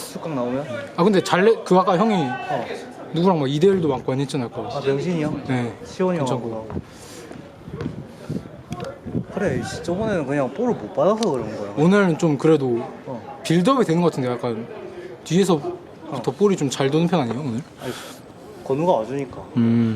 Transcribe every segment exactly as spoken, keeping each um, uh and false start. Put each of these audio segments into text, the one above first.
숙강 나오면? 아 근데 잘래 그 아까 형이 어. 누구랑 막 이 대 일도 많고 했잖아요. 아까. 아 명진이 형? 네. 시원이 괜찮고. 형하고. 그래 씨, 저번에는 그냥 볼을 못 받아서 그런 거야. 오늘은 좀 그래도 어. 빌드업이 되는 것 같은데 약간 뒤에서부터 어. 볼이 좀 잘 도는 편 아니에요 오늘? 아니, 건우가 와주니까. 음.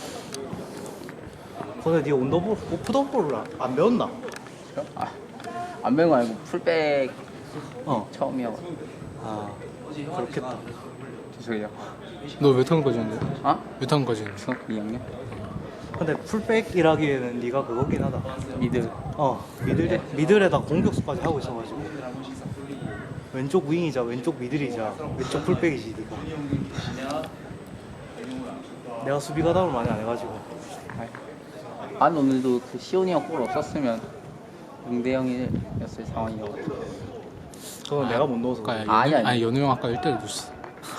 근데 네 온더볼, 오프더볼을 안, 안 배웠나? 아, 안 배운 거 아니고 풀백 어. 처음이야. 아 그렇겠다. 저기요. 너 몇 학년까지 했는데? 어? 몇 학년까지 했는데? 중학교 이 학년? 근데 풀백이라기에는 네가 그거긴 하다. 미드. 어 미들 미들에다 공격수까지 하고 있어가지고 왼쪽 윙이자 왼쪽 미들이자 왼쪽 풀백이지 네가. 내가 수비 가담을 많이 안 해가지고. 안 오늘도 그 시온이 형 골 없었으면 영 대 영이었을 상황이어가지고. 그건 내가 못 넣어서. 아까 그래. 연우, 아니, 아니. 아니 연우 형 아까 일 대를 놓쳤어.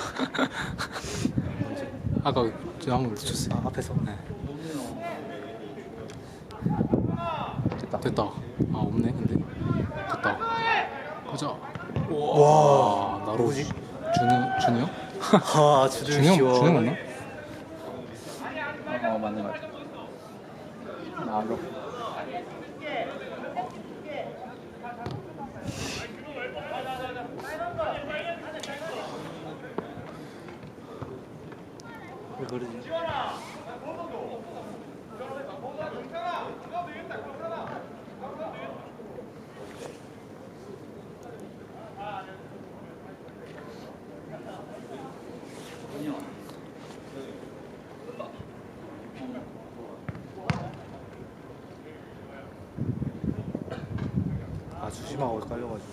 아까 제가 한번 놓쳤어요. 아, 앞에서. 네. 됐다. 됐다. 아 없네 근데. 됐다. 가자. 와 나로 누구지? 준우 준우 형? 아 주준 준우 형 시원. 준우 형 맞나? 어 맞는 거 같아. 나로. 왜 그러지? 아 주심하고 헷갈려가지고.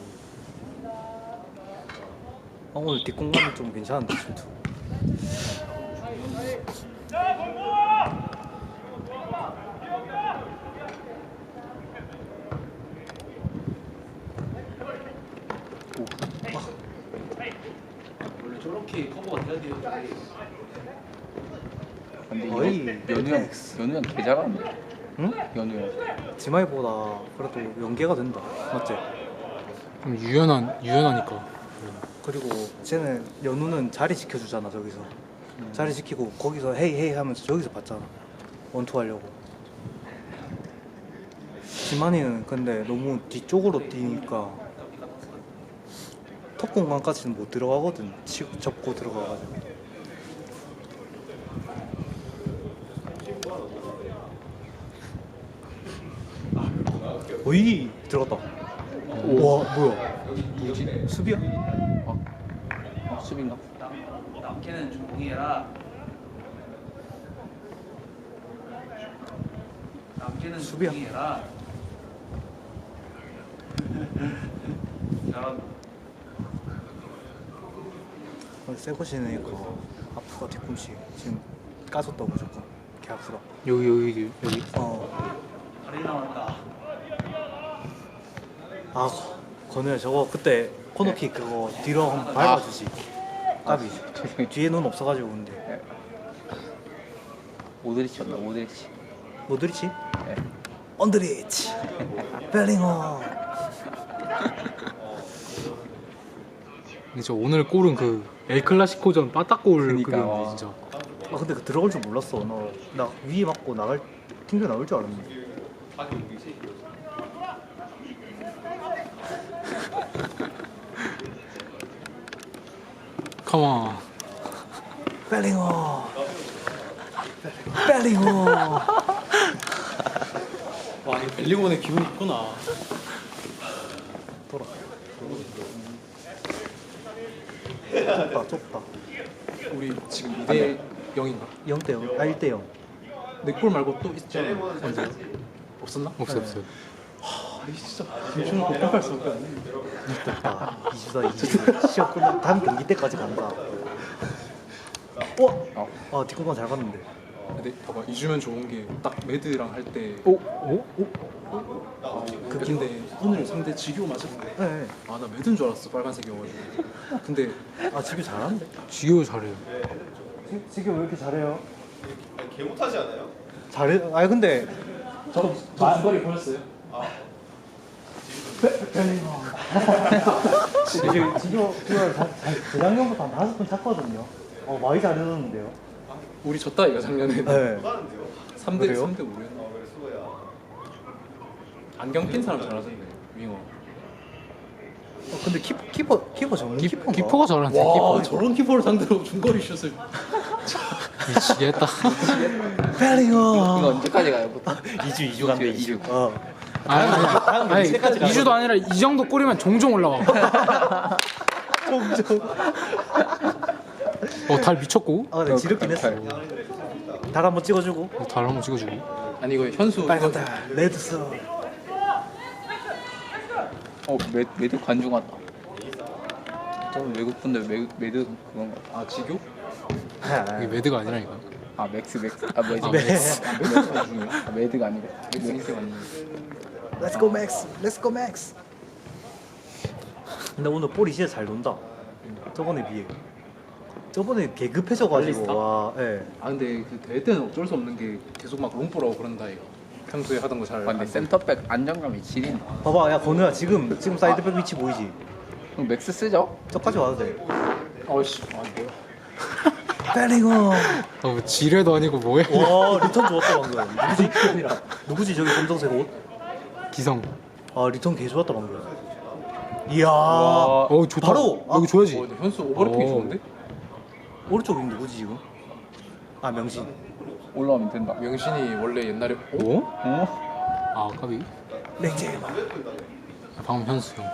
아, 오늘 뒷공간이 좀 괜찮은데 질투. 원래 저렇게 커버가 돼야 돼요. 근데 거의 이거 연우 형 엑스. 연우 형개 잘하는데. 응? 연우 형. 지마이보다 그래도 연계가 된다. 맞지? 좀 유연한 유연하니까. 그리고 쟤는 연우는 자리 지켜주잖아 저기서. 자리 지키고 거기서 헤이 헤이 하면서 저기서 봤잖아. 원투 하려고. 지만이는 근데 너무 뒤쪽으로 뛰니까 톱 공간까지는 못 들어가거든. 치고 접고 들어가가지고. 오이 들어갔다. 와 뭐야? 뭐지? 수비야? 어, 수빈가? 남캐는 조용히 해라. 남캐는 수비야. 조용히 해라. 잘한다. 새거 신으니까 아프가 뒤꿈치 지금 까졌다 무조건. 개 아프다. 여기 여기 여기. 어. 다리 나왔다. 아 건우야 저거 그때 코너킥 그거 뒤로 한번 밟아주지. 까비. 뒤에 눈 없어가지고 근데 모드리치였나 모드리치. 모드리치? 네. 언드리치. 벨링엄. 근데 저 오늘 골은 그 엘 클라시코전 빠따골 그니까, 그건데 와. 진짜. 아 근데 그 들어갈 줄 몰랐어. 너 나 위에 맞고 나갈 튕겨 나올 줄 알았는데. 컴온. 벨링엄. 벨링엄. 와, 이 벨링원의 기분이 있구나. 돌아. 좁다 좁다. 우리 지금 이 대 영인가? 영 대 영. 아 일 대 영. 내 골 말고 또 있잖아. 언제? 없었나? 없어요, 없어요. 아, 진짜 김준호 공격할 수 없게 안 아, 이주다 이주. 시합 끝나 다음 경기 때까지 간다. 어? 아 뒷공간 잘 갔는데. 근데 봐봐 이주면 좋은 게 딱 매드랑 할 때 오, 오, 오. 아, 그 근데 오늘 상대 지교 맞았는데 네. 아나 매드인 줄 알았어 빨간색이어가지고 근데 아 지금 잘하는데. 지효 잘해요. 지금 왜 이렇게 잘해요? 개 못하지 않아요? 잘해. 아니 근데 저, 저 중거리 보였어요? 지금 지금 재작년부터 한 다섯 번 찼거든요. 어 많이 잘해줬는데요. 우리 졌다 이거 작년에. 네. 삼 대 그래요? 삼 대 오였나? 안경 낀 사람 잘하던데 윙어. 어, 근데 키, 키퍼 키퍼 전문 기, 키퍼인가? 기퍼가 잘하는데 와 기퍼 저런 키퍼를 상대로 중거리 슛을. 미치겠다. 페리어. 이거 언제까지 가요 보통? 이 주 이 주 간대 이 주. 어. 아니, 다음 아니, 경기까지 이 주도 아니라 이 정도 골이면 종종 올라와. 종종. 어, 달 미쳤고. 아 근데 지겹긴 했어. 달 한번 찍어주고. 어, 달 한번 찍어주고. 아니 이거 현수 빨간 달. 레드스. 어 메, 메드 관중 왔다. 저는 외국 분들 메, 메드 그건가? 아 지교? 이게 매드가 아니라니까. 아 맥스 맥스 아 메드 아, 맥스 아 메드 관중이야? 아 메드가 아니고 맥스 맞네. Let's go Max. Let's go Max. 근데 오늘 볼이 진짜 잘 논다. 저번에 비해. 저번에 개급해져가지고 빨리 와. 예. 아 근데 그 대회 때는 어쩔 수 없는 게 계속 막 롱볼하고 그런다 이거. 평소에 하던 거 잘. 아, 근데 센터백 안정감이 지린다. 봐봐, 야 건우야 지금 지금 사이드백 위치 보이지? 그럼 맥스 쓰죠? 저까지 와도 돼. 어씨 아 뭐야? 페리어. 어, 뭐 지뢰도 아니고 뭐야? 와 리턴 좋았다 방금. 누구지? 누구지 저기 검정색 옷? 기성. 아 리턴 개 좋았다 방금. 이야. 어, 좋다. 바로 아, 여기 줘야지. 어, 근데 현수 오버래핑이 어. 좋은데? 오른쪽이 누구지 지금? 아 명신. 올라오면 된다. 명신이 원래 옛날에 어? 어? 어? 아, 까비. 랭제마. 방금 현수 형.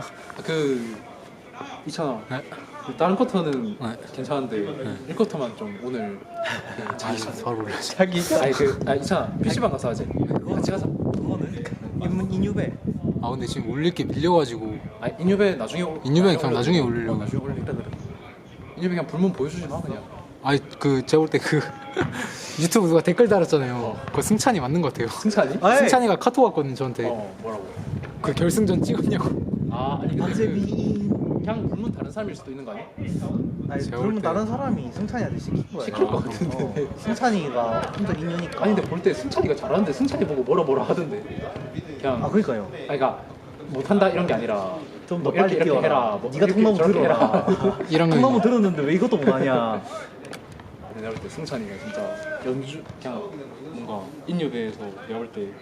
그 있잖아. 네? 그 다른 쿼터는 네. 괜찮은데 일 쿼터만 좀 오늘 그 자기 아, 바로 올려야지. 자기 아니 그아 있잖아 피시방 가서 하지. 같이 가자. 그거는 인문 인유배. 아, 근데 지금 올릴 게 밀려가지고. 아니 인유배 나중에 올- 인유배 나중에 그냥 올려. 나중에 어, 올리려고. 나중에 올릴다 그래. 인유배 그냥 불문 보여주지 마 그냥. 아니, 그, 제가 볼 때 그, 유튜브 누가 댓글 달았잖아요. 그거 승찬이 맞는 것 같아요. 승찬이? 아이. 승찬이가 카톡 왔거든, 저한테. 어 뭐라고? 그 결승전 찍었냐고. 아 아니 근데 그 박재민. 그냥 불문 다른 사람일 수도 있는 거 아니야? 아니 제가 그러면 볼 때- 다른 사람이 승찬이한테 시킨 거야. 시킬 것 어, 같은데. 승찬이가 혼자 인유니까. 아니 근데 볼 때 승찬이가 잘하는데 승찬이 보고 뭐라 뭐라 하던데. 그냥 아 그러니까요. 아니 그러니까 못한다 이런 게 아니라 좀 더 뭐 이렇게 빨리 이렇게 뛰어라. 해라. 뭐 네가 이렇게 통나무 저렇게 들어라. 해라. 일 학년. 통나무 들었는데 왜 이것도 못하냐. 내가 볼 때 승찬이가 진짜 연주 그냥 뭔가 인유배에서 내가 볼 때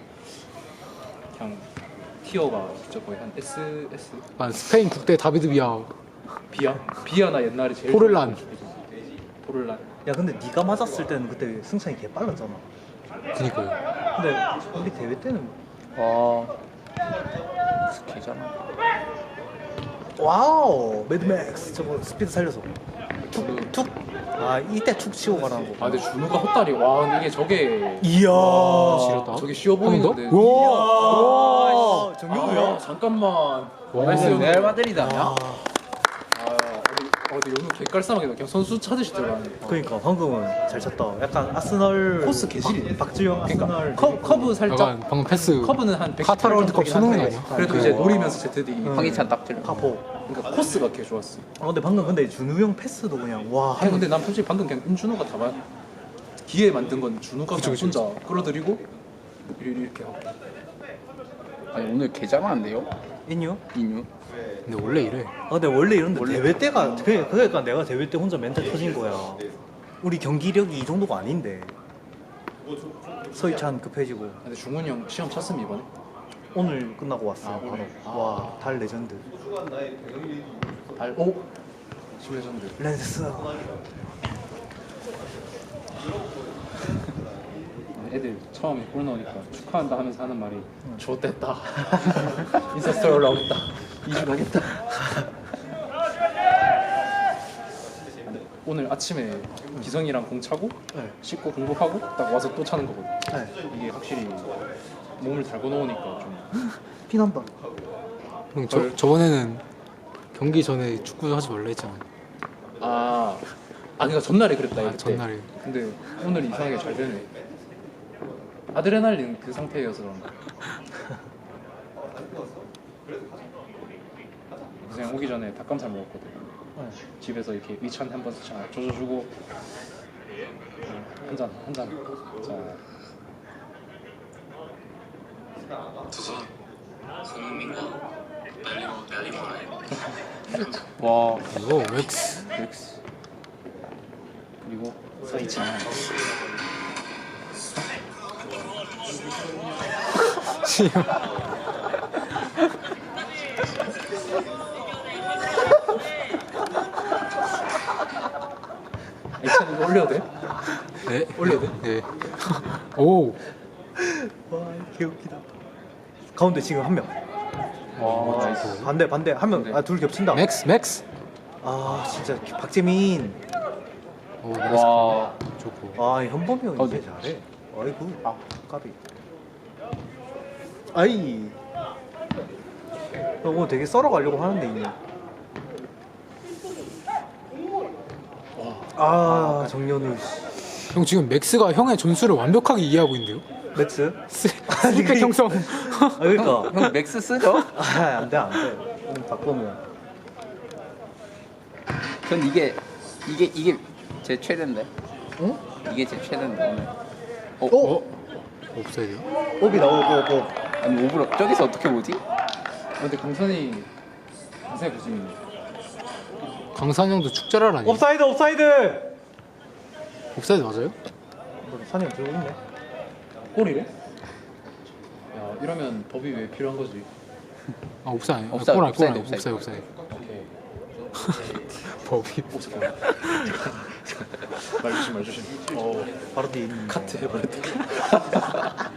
그냥 티어가 진짜 거의 한 S S 아, 스페인 국대 다비드 비아. 비아 비아나 옛날에 제일 포를란. 포를란 야 근데 네가 맞았을 때는 그때 승찬이 개 빨랐잖아. 그니까요. 근데 우리 대회 때는 와 맥스 개잖아. 와우 매드맥스 저거 스피드 살려서 툭툭. 아 이때 툭 치고 가라는 거. 아 근데 준우가 헛다리 와 근데 이게 저게 이야. 지렸다. 저게 쉬워 한번 더? 보이는데 우와! 와. 아, 정경우야? 잠깐만 와, 나이스 연우 레알 마드리드 아니야? 아 어디 어디 연우 개깔쌈하게 그냥 선수 찾으시 들어가네 그러니까 방금은 잘 쳤다. 약간 아스널 코스 개질이네. 박- 박주영 아스널. 그러니까 커, 커브 살짝 약간 방금 패스. 커브는 한 백. 카타르 월드컵 수능은 아니야? 그래도 그- 이제 노리면서 제트디. 황희찬 딱 들려. 카포. 그러니까 코스가 개 좋았어. 아 근데 방금 근데 준우 형 패스도 그냥 와. 아니 근데 난 솔직히 방금 그냥 임준호가 다 봐. 기회 만든 건 준호가 그쵸, 그냥 그쵸, 혼자 끌어들이고 이렇게 하고. 아니 오늘 개잘하는데요? 인유? 인유? 근데 원래 이래. 아 근데 원래 이런데 대회 때가 그 그러니까 내가 대회 때 혼자 멘탈 터진 거야. 우리 경기력이 이 정도가 아닌데. 서희찬 급해지고 근데 중훈이 형 시험 쳤음 이번에? 오늘 끝나고 왔어. 아, 바로. 오늘. 아. 와, 달 레전드. 알 오. 실레전드. 렌스. 애들 처음에 골 넣으니까 축하한다 하면서 하는 말이 좋댔다. 인스타스토리 올라오겠다. 이주 가겠다. 오늘 아침에 기성이랑 공 차고 네. 씻고 공복하고 딱 와서 또 차는 거거든. 네. 이게 확실히 몸을 달고 놓으니까 좀 피난다. 형, 저, 저번에는 경기 전에 축구 하지 말라 했잖아. 아, 아 그러니까 전날에 그랬다 아, 이때. 전날에. 근데 오늘 이상하게 잘 되네. 아드레날린 그 상태여서 그런가. 그냥 오기 전에 닭가슴살 먹었거든. 네. 집에서 이렇게 위찬 한 번씩 잘 조져주고 한 잔, 한 잔. 자, 두산 손흥민과 달리고 달리고 와 이거 맥스. 맥스 그리고 사이즈. 액션 이거 올려도 돼? 네. 올려도 돼? 네. 오. 와 개웃기다. 가운데 지금 한 명. 와 나이스. 반대 반대 한 명. 아 둘 겹친다. 맥스 맥스. 아 진짜 박재민. 오 맥스. 와 좋고. 아 현범이 형 어, 이제 네. 잘해. 아이고 아 까비. 아이. 형 오늘 되게 썰어 가려고 하는데 이미. 아 정연우 씨. 형 지금 맥스가 형의 전술을 완벽하게 이해하고 있는데요? 맥스? 스펙 형성. 아 그러니까. 형 맥스 쓰죠? 아 안돼 안돼. 오늘 바꾸면. 전 이게 이게 이게 제 최대인데. 응? 이게 제 최대인데 오늘. 어? 어? 없어야돼요. 옵이 나오고 옵. 아니 오브로 저기서 어떻게 보지? 아, 근데 강산이 강산이 조심이네. 강산 형도 축제랄 아니에요? 옵사이드 옵사이드. 옵사이드 맞아요? 산이 형 들고 있네. 골이래? 야 이러면 법이 왜 필요한 거지? 아 옵사이드 아니에요? 옵사이드, 골 아니, 골 옵사이드, 아니, 옵사이드. 옵사이드 옵사이드. 오케이. 법이. 오 잠깐만. 말 조심 말 조심. 어 바로 뒤에 있는. 카트 해버렸다.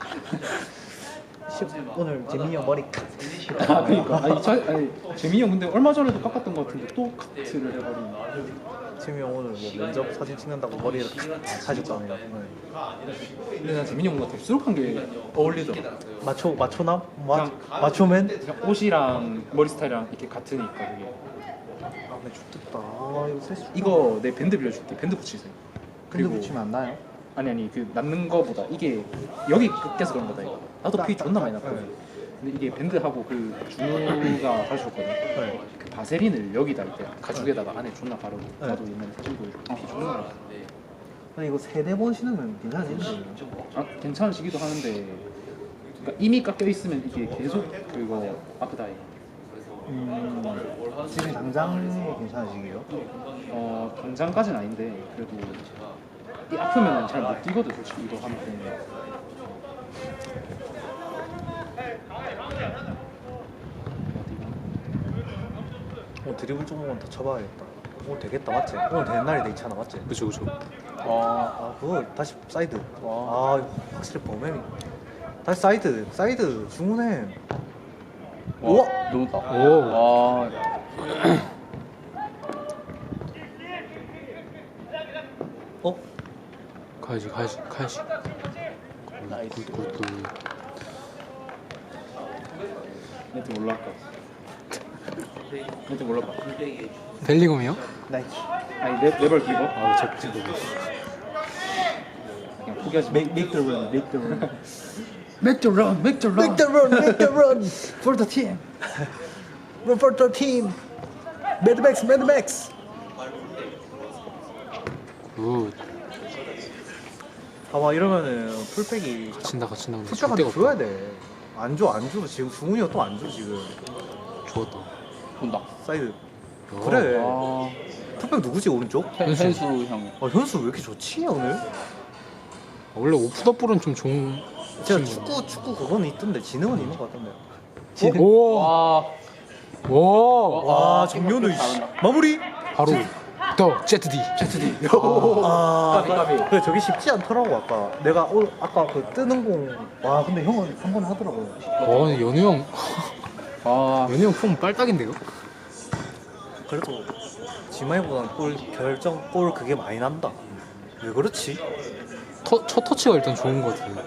오늘 재민이 형 머리 카. 아 그니까 아니, 자, 아니 재민이 형 근데 얼마 전에도 깎았던 것 같은데 또 카트를 해버리네. 재민이 형 오늘 뭐 면접 사진 찍는다고 머리를 사줬잖아요. 오늘. 근데 난 재민이 형 뭔가 덥수룩한 게 어울리더라. 마초 마초남? 마 그냥- 마초맨? 그냥 옷이랑 머리 스타일이랑 이렇게 같으니까 그게. 아, 나 죽겠다. 아 이거 셋이. 이거 내 밴드 빌려줄게. 밴드 붙이세요. 근데 붙이면 안 나요? 아니 아니 그 남는 거보다 이게 여기 껴서 그런 거다 이거. 나도 피 존나 많이 났거든. 네. 근데 이게 밴드하고 그 준우가 가져줬거든. 네. 그 바세린을 여기다 이렇게 가죽에다가 안에 존나 바르고 네. 나도 옛날에 사진 보여줬고 피 존나 났어. 아니 이거 세네 번 신으면 괜찮은데. 아 괜찮으시기도 하는데 그러니까 이미 깎여 있으면 이게 계속 그거 아프다 이거. 음, 지금 당장 괜찮으시게요? 어 당장까지는 아닌데 그래도 이 아프면은 잘 못 뛰거든 솔직히 이거 하면 때문에. 오늘 드리블 조금만 더 쳐봐야겠다. 오늘 되겠다 맞지? 오늘 되는 날이 돼 있잖아 맞지? 그쵸 그쵸. 아 그거 다시 사이드. 아 이거 확실히 범행이. 다시 사이드 사이드 주문해. 우와! 너무다. 오. 와 어? 가야지 가야지 가야지. 굿굿굿. 멘트 몰랐다. 멘트 몰랐다. 벨링엄이요? 나이키. 아니 레, 레벨 기버? 아 저 지금. 그냥 포기하지 마. Make make the run, make the run. Make the run, make the run. Make the run, make the run for the team. Run for the team. Mad Max, Mad Max. 굿. 봐봐 이러면은 풀백이 갇힌다 갇힌다. 근데 줄 풀백한테 데가 줘야 없다. 돼. 안 줘, 안 줘. 지금 중훈이가 또 안 줘 지금. 죽었다. 본다. 사이드. 어. 그래. 아, 풀백 누구지 오른쪽? 현수. 현수 형. 아 현수 왜 이렇게 좋지 오늘? 원래 오프더볼은 좀 좋은. 제가 친구. 축구 축구 그거는 있던데 지능은 있는 것 같던데. 오. 와 오. 와 정면우 잘한다. 마무리. 바로 더 제트디. 제트디. 아, 까비, 까비. 그 저기 쉽지 않더라고 아까. 내가 오, 아까 그 뜨는 공. 와 근데 형은 한 번 하더라고요. 어 근데 연우 형. 아 연우 형폼 빨딱인데요? 그래도 지마이보다는 골 결정 골 그게 많이 난다. 왜 그렇지? 터, 첫 터치가 일단 좋은 것 같아요.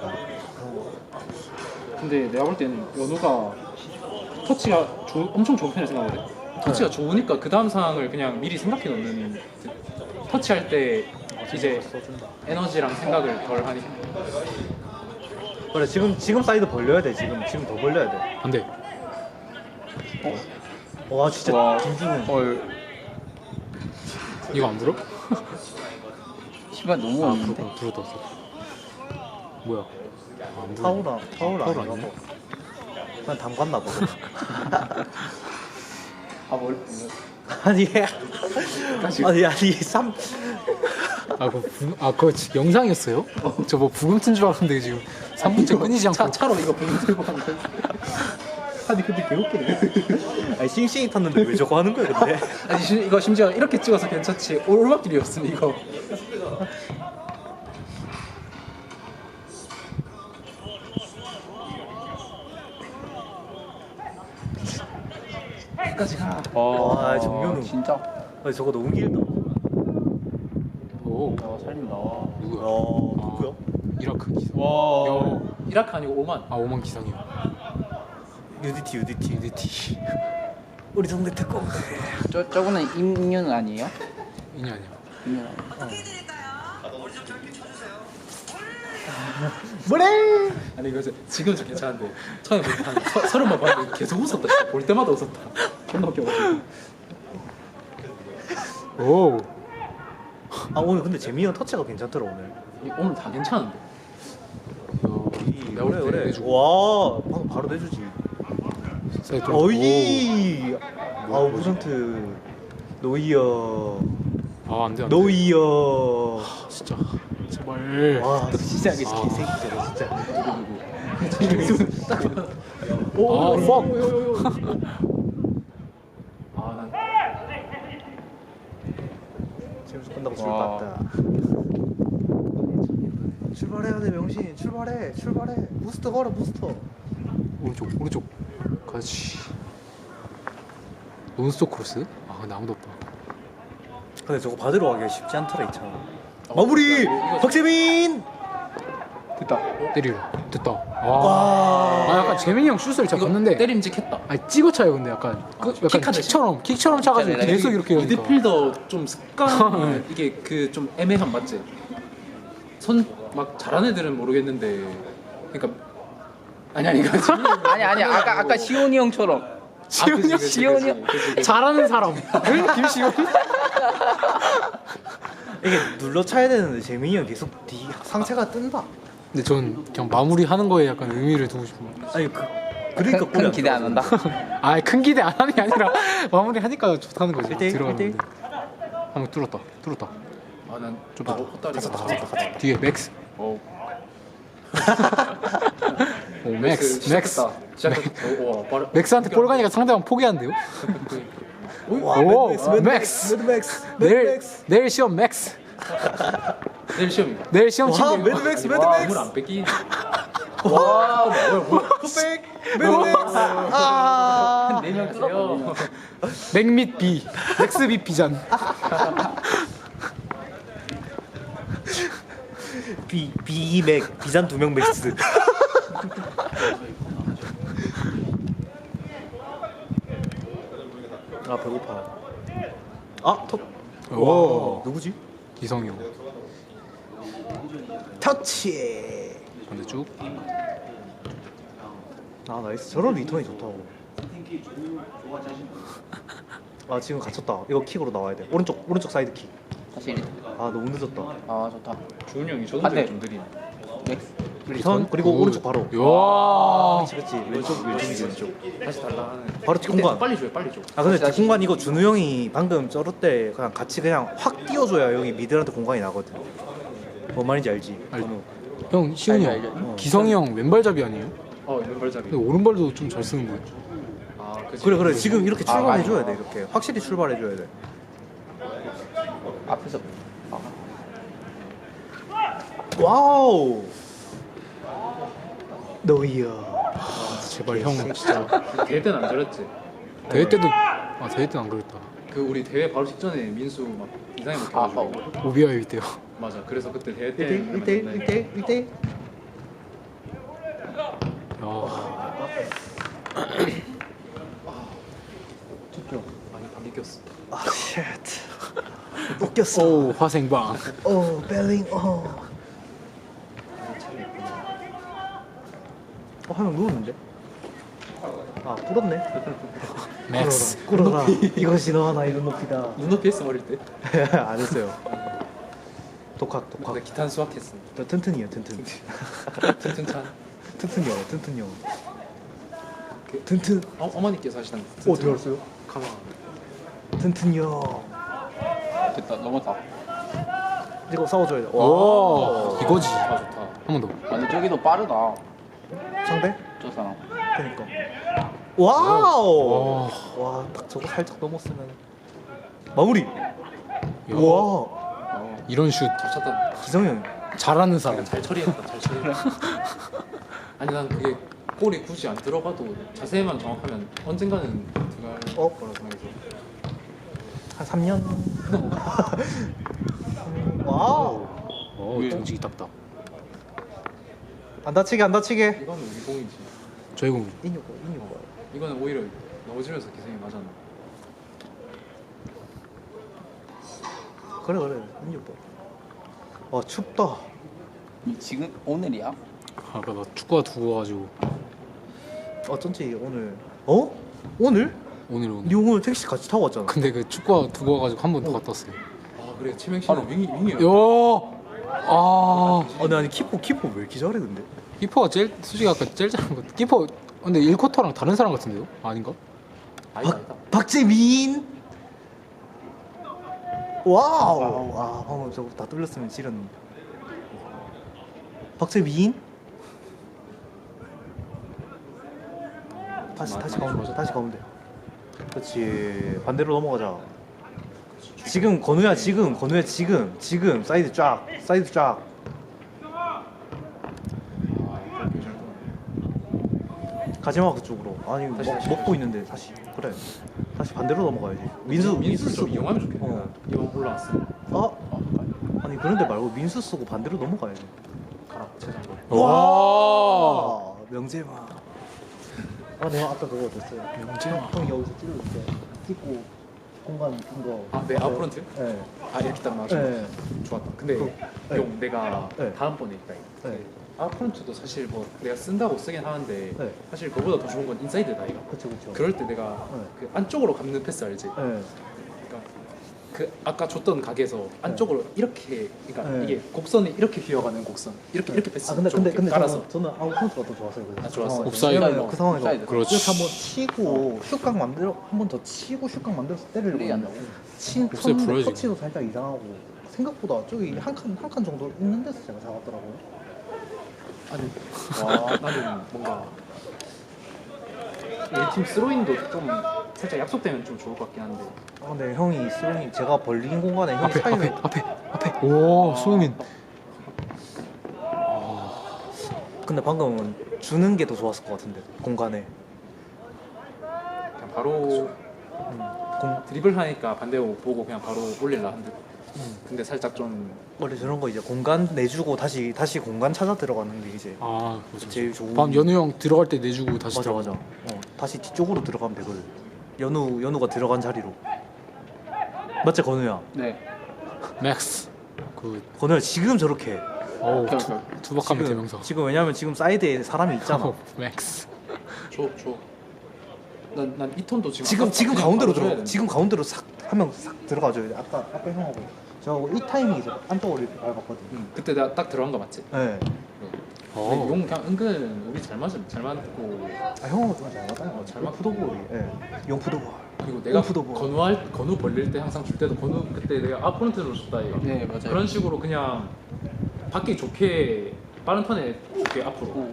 근데 내가 볼 때는 연우가 터치가 조, 엄청 좋은 편을 생각하거든. 터치가 좋으니까 그 다음 상황을 그냥 미리 생각해 놓는. 터치할 때 이제 써준다. 에너지랑 생각을 덜 하니까. 그래 지금 지금 사이드 벌려야 돼 지금 지금 더 벌려야 돼. 안 돼. 와 진짜 와. 김준훈. 헐 이거 안 불어? 시간 너무 아 없는데. 불어 불었다 불었다. 뭐야? 아, 안 불어. 파울아 파울 파울 아니라고. 아니야? 그냥 담갔나 보다. 아 뭘? 아니 아니 아니 삼 아, 그, 부, 아, 그거 지- 영상이었어요? 저 뭐 부금 튼 줄 알았는데 지금 삼 분째 끊이지 않고. 차, 차로 이거 보는 들고 하는데. 아니 근데 개웃기네. 아니 싱싱이 탔는데 왜 저거 하는 거야 근데? 아니 심- 이거 심지어 이렇게 찍어서 괜찮지. 오르막길이었으면 이거. 끝까지 가. 와 정면은 진짜. 아니 저거 너무 길다. 오, 어, 살린다. 누구야? 어 누구야? 이라크 기상. 와. 이라크 아니고 오만. 아, 오만 기상이요. 유디티 유디티 유디티. 우리 동네 특공. 저 저분은 임윤 아니에요? 이니 아니야. 임윤 아니에요? 뭐래? 아니 이거 이제 지금 좀 괜찮은데 처음에 한 서- 서른 번 봤는데 계속 웃었다. 진짜. 볼 때마다 웃었다. 존나 웃겨가지고. 오, 아 오늘 근데 재민이 형 터치가 괜찮더라 오늘. 이- 오늘 다 괜찮은데. 내가 볼 그래 때 그래. 내주고. 와 방금 바로 내주지. 사이드 좀- 어이. 아우 브런트 노이어 오. 아, 안 돼, 안 돼. 노이어. 진짜. 제발. 와 진짜 이게 아. 개새끼잖아 진짜. 아, fuck. 아난 재밌어 끝나고 술 와. 봤다. 출발해야 돼 명신 출발해 출발해 부스터 걸어 부스터. 오른쪽, 오른쪽. 그렇지. 논스톱 크로스? 아, 근데 아무도 없다. 근데 저거 받으러 가기가 쉽지 않더라 이차. 마무리 박재민. 됐다. 때리라. 됐다. 와. 와. 아, 약간 재민이 형 슛을 제가 이거 봤는데. 때림직했다. 아니, 찍어 차요, 근데 약간. 그, 약간 킥하듯이? 킥처럼, 킥처럼 차가지고 진짜 계속 이렇게 하니까. 미드필더 좀 습관 이게 그 좀 애매한 맞지? 손 막 잘하는 애들은 모르겠는데 그러니까 아니 아니 이거 지금 아니 아니 아까 아까 시온이 형처럼. 시온이 형? 시온이 형. 잘하는 사람. 응? 김시온? 이게 눌러 차야 되는데 재민이 형 계속 뒤 상체가 뜬다. 근데 전 그냥 마무리하는 거에 약간 의미를 두고 싶어. 아니 그 그러니까 큰, 골이 큰 기대 안 한다. 아, 큰 기대 안 하는 게 아니라 마무리 하니까 좋다는 거지. 일대일, 들어가는데. 일대일. 한번 뚫었다. 뚫었다. 아난 좀 좀 헛다리가 뒤에 맥스. 어 오, 맥스. 맥스. 시작했다. 와 빠르. 맥스한테 볼 가니까 상대방 포기한대요. 와 오, 매드맥스 맥스. 매드맥스 내일 매드맥스. 내일 시험 맥스. 내일 시험인가? 내일 시험 와 친구. 매드맥스 와, 매드맥스. 물안 뺏기. 와 뭐야 뭐야. 굿백 매드맥스. 아. 네명 하세요. 맥 및 비. 맥스 비 비잔. 비 비맥 비잔 두 명 맥스. 아 배고파. 아 턱. 오. 누구지? 기성이 형. 터치. 근데 쭉. 아 나이스. 저런 리턴이 좋다고. 아 지금 갇혔다. 이거 킥으로 나와야 돼. 오른쪽 오른쪽 사이드 킥. 다시 리턴. 아 너무 늦었다. 아 좋다. 주훈이 형이 저 반대. 동작이 좀 느리네. 맥스. 리턴 그리고 오. 오른쪽 바로. 야. 그렇지 그렇지. 왼쪽 왼쪽이지 왼쪽. 다시 달라하는. 바로 뒷공간. 빨리 줘요 빨리 줘. 아 근데 다시, 다시. 뒷공간 이거 준우 형이 방금 쩔을 때 그냥 같이 그냥 확 띄워줘야 여기 미들한테 공간이 나거든. 뭔 말인지 알지? 알죠. 준우. 형 시훈이 알죠, 형. 알죠. 기성이 형 왼발잡이 아니에요? 어 왼발잡이. 근데 오른발도 좀 잘 쓰는 거예요. 아 그치. 그래 그래 지금 이렇게 아, 출발해줘야 맞아. 돼 이렇게 확실히 출발해줘야 돼. 앞에서. 아. 와우. 노이어. 제발 형 진짜. 대회 때는 안 저랬지. 대회 때도 아 대회 때는 안 그랬다. 그 우리 대회 바로 직전에 민수 막 이상하게 아, 먹혀가지고. 오비아이 때요. 맞아. 그래서 그때 대회 때. 일 대 일, 일 대 일, 일 대 일. 야. 많이 안 느꼈어. 아 쉣. 웃겼어. 오 화생방. 오 벨링 어. 어, 한 명 누웠는데? 아, 꿇었네. 맥스. 꿇어라. 이것이 너와 나의 눈높이다. 눈높이 했어 어릴 때. 안 했어요. 독학, 독학. 근데 기탄 수학했어. 저 튼튼이요, 튼튼. 튼튼찬. 튼튼이요, 튼튼이요. 튼튼. 어, 어머니께서 하시던. 오, 들었어요? 가방. 튼튼이요. 됐다 넘었다. 이거 싸워줘야 돼. 와 이거지. 아 좋다. 한 번 더. 아, 근데 저기도 빠르다. 상대? 저 사람. 그니까. 와우. 와. 와, 딱 저거 살짝 넘었으면 마무리. 야, 와, 어, 이런 슛 잘 찼다. 기성형. 잘하는 사람. 잘 처리했다. 잘 처리했다. 아니 난 그게 골이 굳이 안 들어가도 자세만 정확하면 언젠가는 들어갈 어? 거라 생각해서. 한 삼 년. 와우. 어 정직이 딱딱. 안 다치게 안 다치게. 이거는 우리 공이지. 저희 공. 인유 거 인유 거. 이거는 오히려 넘어지면서 기생이 맞았나. 그래 그래 인유 거. 와 춥다. 지금 오늘이야? 아까 나 축구가 두고 가지고 어쩐지 오늘. 어? 오늘? 오늘 오늘. 니 오늘 택시 같이 타고 왔잖아. 근데 그 축구가 두고 가지고 한 번 더 갔다 왔어요. 아 그래 치명 씨는 윙이 윙이야. 요. 아 아니 아니 키퍼 키퍼 왜 이렇게 잘해 근데? 키퍼가 제일 솔직히 아까 제일 잘한 것. 키퍼 근데 일 쿼터랑 다른 사람 같은데요? 아닌가? 아니다 아니다. 박재민. 와우. 아 방금 저거 다 뚫렸으면 지렸는데. 박재민. 다시 다시 가면 돼. 다시 가면 돼. 그렇지. 반대로 넘어가자. 지금 건우야 지금 건우야 지금 지금 사이드 쫙 사이드 쫙. 가지마 그쪽으로. 아니 먹, 다시, 다시, 먹고 있는데 다시 그래. 다시 반대로 넘어가야지. 민수 민수 좀 쓰고. 이용하면 좋겠네. 어. 이번 올라왔어. 아 아니 그런데 말고 민수 쓰고 반대로 넘어가야지. 가라 최장거. 와. 명재마. 아 내가 아까 그거 됐어요. 명재마. 형 여기서 찔러주세요. 찍고 공간 큰 거. 아내 아웃프런트? 네. 아 이렇게 딱 나왔어. 네. 좋았다. 근데 그, 네. 용 내가 네. 다음번에 있다. 네. 아웃프런트도 사실 뭐 내가 쓴다고 쓰긴 하는데 네. 사실 그보다 더 좋은 건 인사이드다 이거. 그렇죠 그렇죠. 그럴 때 내가 네. 그 안쪽으로 감는 패스 알지? 네. 그러니까 그 아까 줬던 각에서 안쪽으로 이렇게 그러니까 네. 이게 곡선이 이렇게 휘어가는 곡선 이렇게 이렇게 패스 아 근데 좀 근데 이렇게 근데 깔아서 저는, 저는 아웃카운트가 더 좋았어요. 그래서. 아, 좋았어. 그 옵사이드. 상황에서. 왜냐면 그 상황에서 옵사이드. 그렇지. 이렇게 한번 치고 슛각 만들어 한 번 더 치고 슛각 만들어서 때리려고 그래야 했는데 한다고? 친 옵사이드 쳤는데 불어야지. 터치도 살짝 이상하고 생각보다 저기 한 칸 한 칸 정도 있는 데서 제가 잡았더라고요. 아니 와 나는 뭔가 우리 팀 스로인도 좀 살짝 약속되면 좀 좋을 것 같긴 한데 아 근데 형이 스윙이 제가 벌린 공간에 형이 앞에 사이를 앞에 앞에 앞에. 오 수민. 근데 방금은 주는 게 더 좋았을 것 같은데 공간에. 그냥 바로 음, 공 드리블 하니까 반대로 보고 그냥 바로 올릴라 한데 음. 근데 살짝 좀 원래 저런 거 이제 공간 내주고 다시 다시 공간 찾아 들어가는 게 이제 아 그렇죠. 제일 좋은. 밤 연우 형 들어갈 때 내주고 다시 맞아 들어가. 맞아. 어 다시 뒤쪽으로 들어가면 되거든. 연우 연우가 들어간 자리로. 맞지 건우야? 네. 맥스. 그 건우야 지금 저렇게. 어우 오케이, 투, 오케이. 투박하면 지금, 대명사. 지금 왜냐면 지금 사이드에 사람이 있잖아. 어, 맥스. 줘, 줘. 난, 난 이 톤도 지금 지금 아까 지금 그냥 가운데로 바로 줘야 들어. 되는데. 지금 가운데로 싹 한 명 싹 들어가줘야 돼. 아까 아까 형하고 저하고 이 타이밍에 이제 안쪽으로 이렇게 밟았거든. 응, 그때 내가 딱 들어간 거 맞지? 네. 어. 근데 용 그냥 은근 우리 잘 맞음 잘 맞고 아 형하고 좀 잘 맞다. 어, 잘 잘 맞- 맞. 푸도볼. 예. 용 푸도볼. 그리고 내가 오프더볼. 건우할 건우 벌릴 때 항상 줄 때도 건우 그때 내가 아프런트로 줬다 이거. 네 맞아요. 그런 식으로 그냥 받기 좋게 빠른 턴에 좋게 앞으로.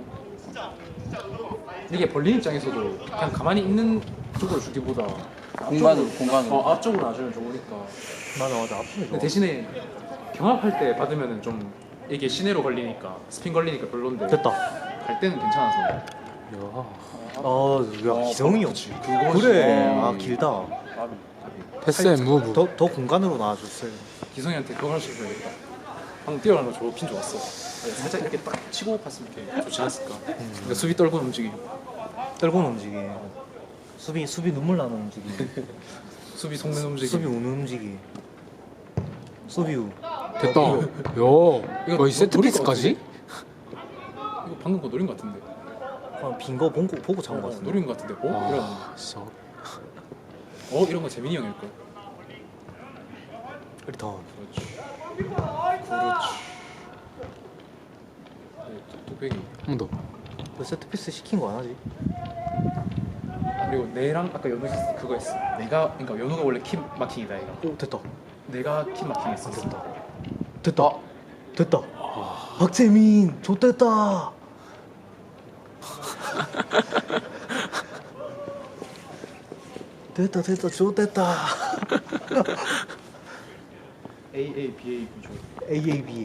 이게 벌린 입장에서도 그냥 가만히 있는 쪽으로 주기보다 공간으로 앞쪽으로- 공간으로. 어, 앞쪽으로 놔주면 좋으니까. 맞아 맞아. 앞으로 근데 좋아. 대신에 경합할 때 받으면은 좀 이게 시내로 걸리니까 스핀 걸리니까 별론데 됐다. 갈 때는 괜찮아서. 야. 아, 야 기성이 형. 그거지. 그래. 어. 아 길다. 패스 앤 무브. 더 더 공간으로 나와줬어요. 기성이한테 그거 할 수 있어야겠다. 방금 뛰어가는 거 좋긴 좋았어. 네, 살짝 이렇게 딱 치고 갔으면 이렇게 좋지 않았을까. 그러니까 수비 떨고 움직이. 떨고는 움직이. 수비 수비 눈물 나는 움직이. 수비 속는 움직이. 수비 우는 움직이. 수비 우. 됐다. 야. 이거 거의 세트 노릴 것 피스까지? 이거 방금 거 노린 것 같은데. 아, 빈거 보고 보고 잡은 것 어, 같은데. 노린 것 같은데. 어? 이런. 아, 진짜. 어 이런 거 재민이 형일 걸. 리턴. 그렇지. 그렇지. 네, 뚝배기. 한 번 더. 왜 세트 피스 시킨 거 안 하지? 아, 그리고 내랑 아까 연우 그거 했어. 내가 그러니까 연우가 원래 키 마킹이다 얘가. 오 됐다. 내가 키 마킹 했어. 됐다. 됐다. 됐다. 박재민 좋됐다. 됐다 됐다 좋됐다. A A B A 구조. A A B A.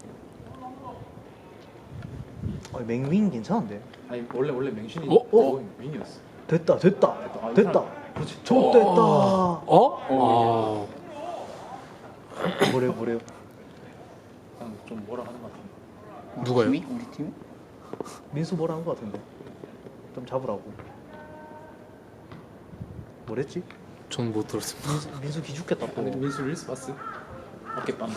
어, 맹윙 괜찮은데? 아니 원래 원래 맹신이 어? 어? 윙이었어. 됐다 됐다 아, 됐다. 그렇지. 좋됐다. 어? 뭐래요 뭐래요? 그냥 좀 뭐라 하는 것 같은데. 누가요? 팀이? 우리 팀이? 민수 뭐라 한 거 같은데? 좀 잡으라고. 뭐랬지? 아, 전 못 들었습니다. 민수, 민수 기죽겠다 또. 근데 민수 릴스 봤어? 어깨빵.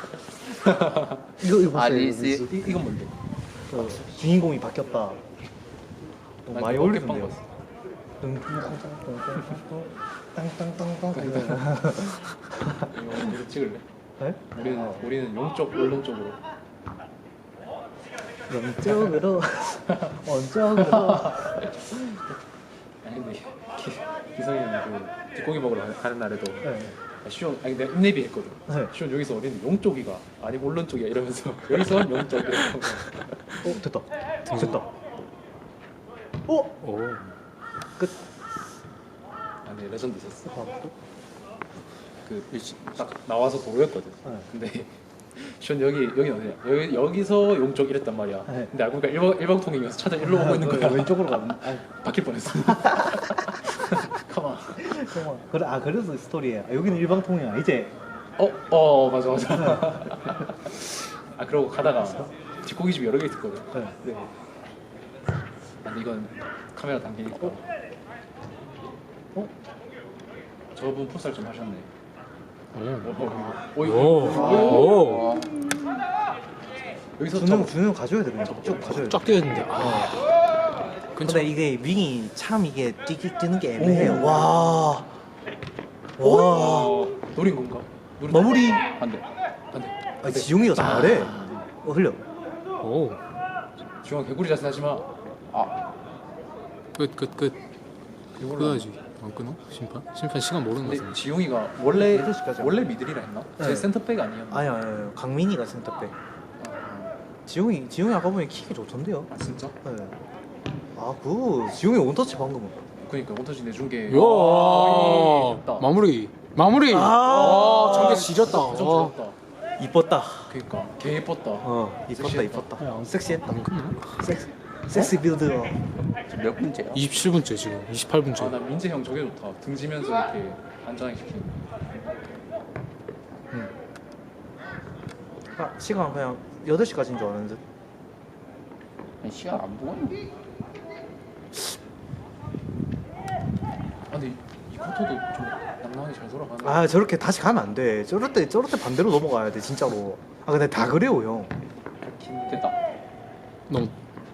이거 이거 아, 봤어요, 릴스? 민수? 이 이건 뭔데? 그 주인공이 바뀌었다. 너무 많이 난 어깨빵 올리던데요. 봤어. 땅땅땅땅땅땅땅땅. 이거 이거 찍을래? 네? 우리는 우리는 용쪽 오른쪽으로. 왼쪽으로 원쪽으로. 아니 근데 기, 기성이는 그 뒷고기 먹으러 가- 가는 날에도 네. 아, 시온 아니 내가 인내비 했거든. 네. 시온 여기서 어딘 용쪽이가 아니 오른쪽이야 이러면서 여기서 용쪽 이러고. 어 됐다. 됐다. 어? 오. 끝. 아니 레전드 있었어. 아, 또? 그딱 나와서 도로였거든. 네. 근데 시온 여기 여기 어디야? 여기 여기서 용쪽 이랬단 말이야. 네. 근데 알고 보니까 일방 일방통행이어서 차들 일로 오고 있는 거야. 왼쪽으로 가는. 아, 바뀔 뻔했어. 가만. 잠깐만. 그래 아 그래서 스토리에 아, 여기는 일방통행 이제. 어, 어, 맞아, 맞아. 아, 그러고 가다가 뒷고기 집 여러 개 있었거든. 네. 네. 아니, 이건 카메라 당기니까. 어? 저분 풋살 좀 하셨네. 오. 오, 오, 오. 오. 여기서 준영 저, 준영 가져야 돼 그냥 쭉 가져야 돼. 쫙 뛰었는데. 아. 근데 이게 윙이 참 이게 뛰기 뛰는 게 애매해요. 와. 와. 어, 노린 건가? 노린 마무리. 안 돼. 안 돼. 아, 지용이가 잘해. 어 흘려. 오. 중앙 개구리 자세 하지 마. 아, 끝, 끝, 끝. 끊어야지. 안 끊어? 심판? 심판 시간 모르는 거 근데 같은데. 지용이가 원래 여덟 시까지 원래 미들이라 했나? 네. 제 센터백 아니었나? 아니 아니 강민이가 센터백. 아, 지용이 지용이 아까 보니 킥이 좋던데요. 아 진짜? 네. 아 그 지용이 원터치 방금은. 그러니까 원터치 내준 게. 야. 마무리. 마무리. 아. 아, 저게 지렸다. 좀 아. 좋았다. 이뻤다. 그러니까 개 예뻤다. 어 이뻤다 섹시했다. 이뻤다. 섹시했다. 안 끝나? 섹스 섹시 빌드. 지금 몇 분째야? 이십칠 분째 지금. 이십팔 분째. 아, 나 민재 형 저게 좋다. 등지면서 이렇게 안전하게 시키는. 아, 시간 그냥 여덟 시까지인 줄 알았는데. 아니, 시간 안 보고 있네. 아, 근데 이, 이 쿼터도 좀 낭낭하게 잘 돌아가네. 아 저렇게 다시 가면 안 돼. 저럴 때 저럴 때 반대로 넘어가야 돼 진짜로. 아 근데 다 그래요 형. 됐다. 너무